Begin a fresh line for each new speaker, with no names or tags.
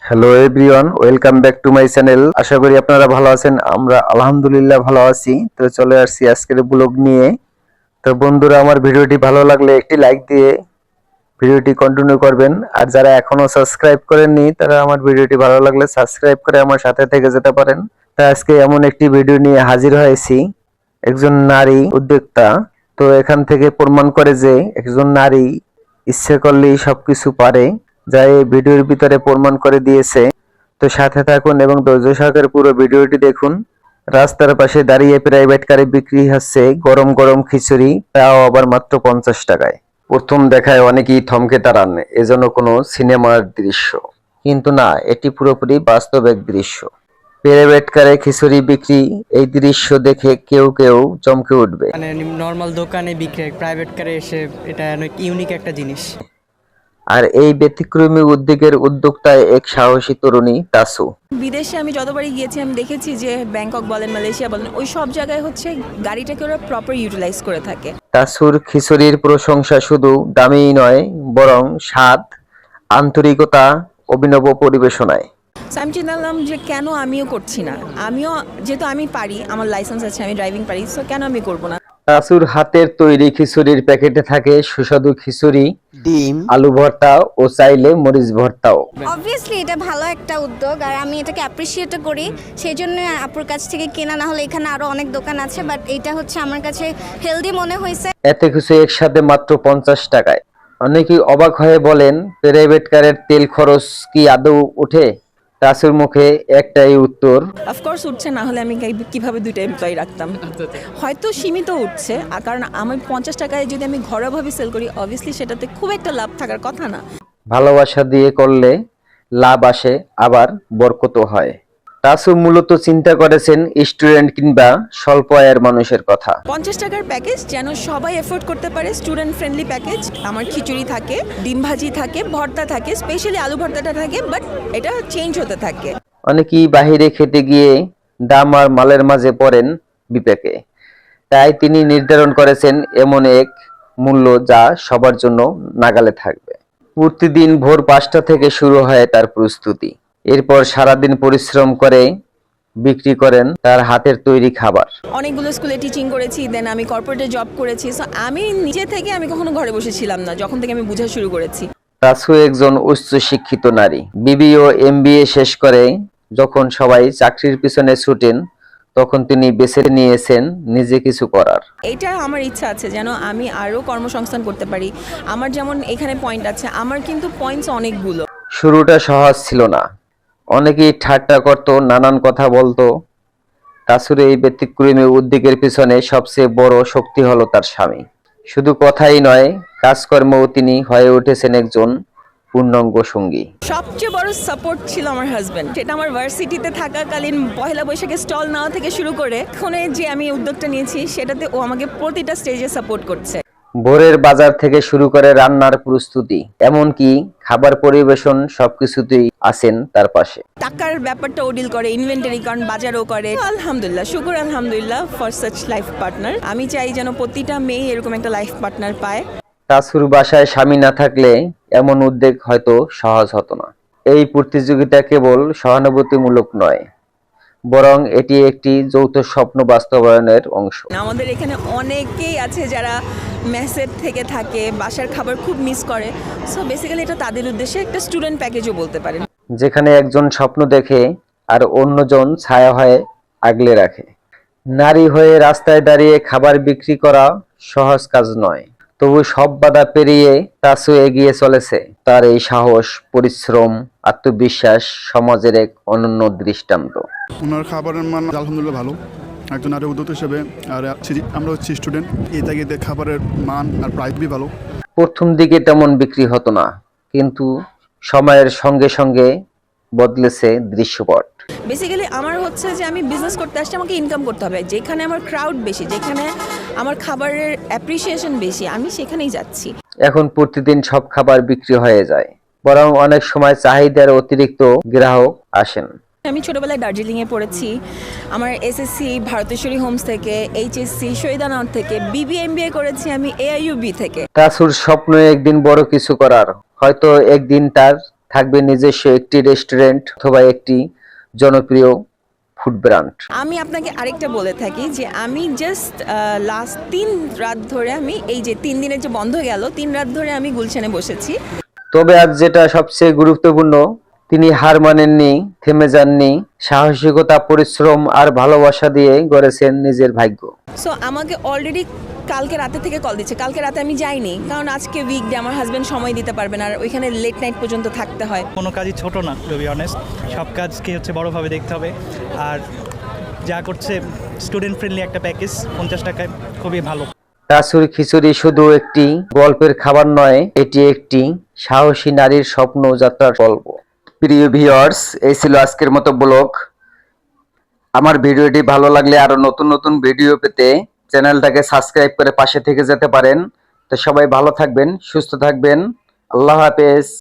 Hello everyone, welcome back to my channel. আশা করি আপনারা ভালো আছেন। আমরা আলহামদুলিল্লাহ ভালো আছি। তো চলে আসছি আজকের ব্লগ নিয়ে। তো বন্ধুরা, আমার ভিডিওটি ভালো লাগলে একটি লাইক দিয়ে ভিডিওটি কন্টিনিউ করবেন। আর যারা এখনো সাবস্ক্রাইব করেননি তারা আমার ভিডিওটি ভালো লাগলে সাবস্ক্রাইব করে আমার সাথে থেকে যেতে পারেন। তা আজকে এমন একটি ভিডিও নিয়ে হাজির হয়েছি, একজন নারী উদ্যোক্তা। তো এখান থেকে প্রমাণ করে যে একজন নারী ইচ্ছে করলেই সবকিছু পারে, যা এই ভিডিওর ভিতরে প্রমাণ করে দিয়েছে। তো সাথে থাকুন এবং ধৈর্য সহকারে পুরো ভিডিওটি দেখুন। রাস্তার পাশে দাঁড়িয়ে প্রাইভেট কারে বিক্রি হচ্ছে গরম গরম খিচুড়ি, তাও আবার মাত্র 50 টাকায়। প্রথম দেখায় অনেকেই থমকে দাঁড়ান, এজন্য কোনো সিনেমার দৃশ্য, কিন্তু না, এটি পুরোপুরি বাস্তব এক দৃশ্য। প্রাইভেট কারে খিচুড়ি বিক্রি, এই দৃশ্য দেখে কেউ কেউ চমকে উঠবে।
মানে নর্মাল দোকানে বিক্রি প্রাইভেট কারে এসে এটা অনেক ইউনিক একটা জিনিস।
আর এই ব্যতিক্রমী উদ্যোগের উদ্যোক্তা এক সাহসী তরুণী তাসু।
বিদেশে আমি যতবারই গিয়েছি আমি দেখেছি যে ব্যাংকক বলেন, মালয়েশিয়া বলেন, ওই সব জায়গায় হচ্ছে গাড়িটাকে ওরা প্রপার ইউটিলাইজ করে থাকে।
তাসুর খিচুড়ির প্রশংসা শুধু দামেই নয়, বরং স্বাদ, আন্তরিকতা, অভিনব পরিবেশনায়।
আমি চিন্তা করলাম যে কেন আমিও করছি না, আমিও যেহেতু আমি পারি, আমার লাইসেন্স আছে, আমি ড্রাইভিং পারি, সো কেন আমি করবো না।
তাসুর হাতের তৈরি খিচুড়ির প্যাকেটে থাকে সুস্বাদু খিচুড়ি, ডিম, আলু ভর্তা ও চাইলে মরিচ ভর্তাও।
অবভিয়াসলি এটা ভালো একটা উদ্যোগ আর আমি এটাকে অ্যাপ্রিসিয়েট করি, সেই জন্য আপুর কাছ থেকে কেনা। না হলে এখানে আরো অনেক দোকান আছে, বাট এটা হচ্ছে আমার কাছে হেলদি মনে হয়েছে।
এত কিছু একসাথে মাত্র 50 টাকায়। অনেকেই অবাক হয়ে বলেন, প্রাইভেট কারের তেল খরচ কি আদৌ ওঠে? তাসুর মুখে একটাই উত্তর,
অফকোর্স উঠছে, না হলে আমি কিভাবে দুইটা এমপ্লয়ি রাখতাম। হয়তো সীমিত উঠছে, কারণ আমি 50 টাকায় যদি আমি ঘরোয়াভাবে সেল করি, অবভিয়াসলি সেটাতে খুব একটা লাভ থাকার কথা না।
ভালোবাসা দিয়ে করলে লাভ আসে, আবার বরকতও হয়। তাসু মূলত চিন্তা করেছেন স্টুডেন্ট কিংবা স্বল্প আয়ের মানুষের কথা।
50 টাকার প্যাকেজ যেন সবাই এফোর্ড করতে পারে, স্টুডেন্ট ফ্রেন্ডলি প্যাকেজ। আমার খিচুড়ি থাকে, ডিম ভাজি থাকে, ভর্তা থাকে, স্পেশালি আলু ভর্তাটা থাকে, বাট এটা চেঞ্জ হতে থাকে।
অনেকেই বাহিরে খেতে গিয়ে দাম আর মালের মাঝে পড়েন বিপাকে, তাই তিনি নির্ধারণ করেছেন এমন এক মূল্য যা সবার জন্য নাগালে থাকবে। প্রতিদিন ভোর 5টা থেকে শুরু হয় তার প্রস্তুতি। এরপর সারাদিন পরিশ্রম করে বিক্রি করেন তার হাতের তৈরি খাবার।
অনেকগুলো স্কুলে টিচিং করেছি, দেন আমি কর্পোরেটে জব করেছি, সো আমি নিজে থেকে আমি কখনো ঘরে বসেছিলাম না যখন থেকে আমি বোঝা শুরু করেছি।
তাসু একজন উচ্চ শিক্ষিত নারী, বিবি ও এমবিএ শেষ করে যখন সবাই চাকরির পিছনে ছুটেন, তখন তিনি বেছে নিয়েছেন নিজে কিছু করার।
এটা আমার ইচ্ছা আছে যেন আমি আরও কর্মসংস্থান করতে পারি। আমার যেমন এখানে পয়েন্ট আছে, আমার কিন্তু পয়েন্টস অনেকগুলো।
শুরুটা সহজ ছিল না, অনেকেই ঠাট্টা করত, নানান কথা বলতো। তাসুর এই ব্যতিক্রমী উদ্যোগের পিছনে সবচেয়ে বড় শক্তি হলো তার স্বামী। শুধু কথাই নয়, কাজকর্মেও তিনি হয়ে উঠেছেন একজন পূর্ণাঙ্গ সঙ্গী।
সবচেয়ে বড় সাপোর্ট ছিল আমার হাজব্যান্ড। সেটা আমার ভার্সিটিতে থাকাকালীন পয়লা বৈশাখে স্টল নেওয়া থেকে শুরু করে এখন যে আমি উদ্যোগটা নিয়েছি, সেটাতে ও আমাকে প্রতিটা স্টেজে সাপোর্ট করছে।
ভোরের বাজার থেকে শুরু করে রান্নার প্রস্তুতি, এমনকি খাবার পরিবেশন, সবকিছুতেই আছেন তার পাশে।
টাকার ব্যাপারটা ও ডিল করে, ইনভেন্টারি কারণ বাজারও করে। আলহামদুলিল্লাহ, শুকুর আলহামদুলিল্লাহ ফর সাচ লাইফ পার্টনার। আমি চাই যেন প্রতিটা মেয়ে এরকম একটা লাইফ পার্টনার পায়।
তাসুর বাসায় স্বামী না থাকলে এমন উদ্যোগ হয়তো সহজ হতো না। এই প্রতিযোগিতা কেবল সহানুভূতিমূলক নয়, বরং এটি একটি যৌথ স্বপ্ন বাস্তবায়নের অংশ।
আমাদের এখানে অনেকেই আছে যারা মেসের থেকে থাকে, বাসার খাবার খুব মিস করে। সো বেসিক্যালি এটা তাদের উদ্দেশ্যে একটা স্টুডেন্ট প্যাকেজও বলতে পারেন,
যেখানে একজন স্বপ্ন দেখে আর অন্যজন ছায়া হয়ে আগলে রাখে। নারী হয়ে রাস্তায় দাঁড়িয়ে খাবার বিক্রি করা সহজ কাজ নয়, তবু সব বাধা পেরিয়ে তাসু এগিয়ে চলেছে। তার এই সাহস, পরিশ্রম, আত্মবিশ্বাস সমাজের এক অনন্য দৃষ্টান্ত।
ওনার খাবারের মান আলহামদুলিল্লাহ ভালো, একজন নারী উদ্যোক্তা হিসেবে। আর আমরা হচ্ছে স্টুডেন্ট, এই তাগিদে খাবারের মান আর প্রাইস বি ভালো।
প্রথম দিকে তেমন বিক্রি হতো না, কিন্তু সময়ের সঙ্গে সঙ্গে বদলেছে দৃশ্যপট।
বেসিক্যালি আমার হচ্ছে যে আমি বিজনেস করতে আসছি, আমাকে ইনকাম করতে হবে। যেখানে আমার ক্রাউড বেশি, যেখানে আমার খাবারের অ্যাপ্রিসিয়েশন বেশি, আমি সেখানেই যাচ্ছি।
এখন প্রতিদিন সব খাবার বিক্রি হয়ে যায়, বরং অনেক সময় চাহিদার অতিরিক্ত গ্রাহক আসেন।
আমি ছোটবেলায় দার্জিলিংয়ে পড়েছি। আমার এসএসসি ভারতেশ্বরী হোমস থেকে, এইচএসসি শহীদানগর থেকে, বিবিএমবিএ করেছি আমি AIUB থেকে।
তাসুর স্বপ্ন একদিন বড় কিছু করার, হয়তো একদিন তার থাকবে নিজস্ব একটি রেস্টুরেন্ট অথবা একটি জনপ্রিয় ফুড ব্র্যান্ড।
আমি আপনাকে আরেকটা বলে থাকি যে আমি জাস্ট লাস্ট 3 রাত ধরে আমি এই যে 3 দিনের যে বন্ধ গেল 3 রাত ধরে আমি গুলশানে বসেছি।
তবে আজ যেটা সবচেয়ে গুরুত্বপূর্ণ, তিনি হার মানেননি, থেমে যাননি, সাহসিকতা, পরিশ্রম আর ভালোবাসা দিয়ে গড়েছেন নিজের ভাগ্য।
সো আমাকে অলরেডি কালকে রাতে থেকে কল দিচ্ছে। কালকে রাতে আমি যাইনি কারণ আজকে উইকডে, আমার হাজব্যান্ড সময় দিতে পারবে না আর ওইখানে লেট নাইট পর্যন্ত থাকতে হয়।
কোনো কাজই ছোট না, টু বি অনেস্ট। সব কাজকে বড়োভাবে দেখতে হবে। আর যা করছে স্টুডেন্ট ফ্রেন্ডলি একটা প্যাকেজ, 50 টাকায় খুবই ভালো।
তাসুর খিচুড়ি শুধু একটি গল্পের খাবার নয়, এটি একটি সাহসী নারীর স্বপ্ন যাত্রার গল্প। প্রিয় ভিউয়ার্স, এই ছিল আজকের মতো ব্লগ। আমার ভিডিওটি ভালো লাগলে আরো নতুন নতুন ভিডিও পেতে চ্যানেলটাকে সাবস্ক্রাইব করে পাশে থেকে যেতে পারেন। তো সবাই ভালো থাকবেন, সুস্থ থাকবেন। আল্লাহ হাফেজ।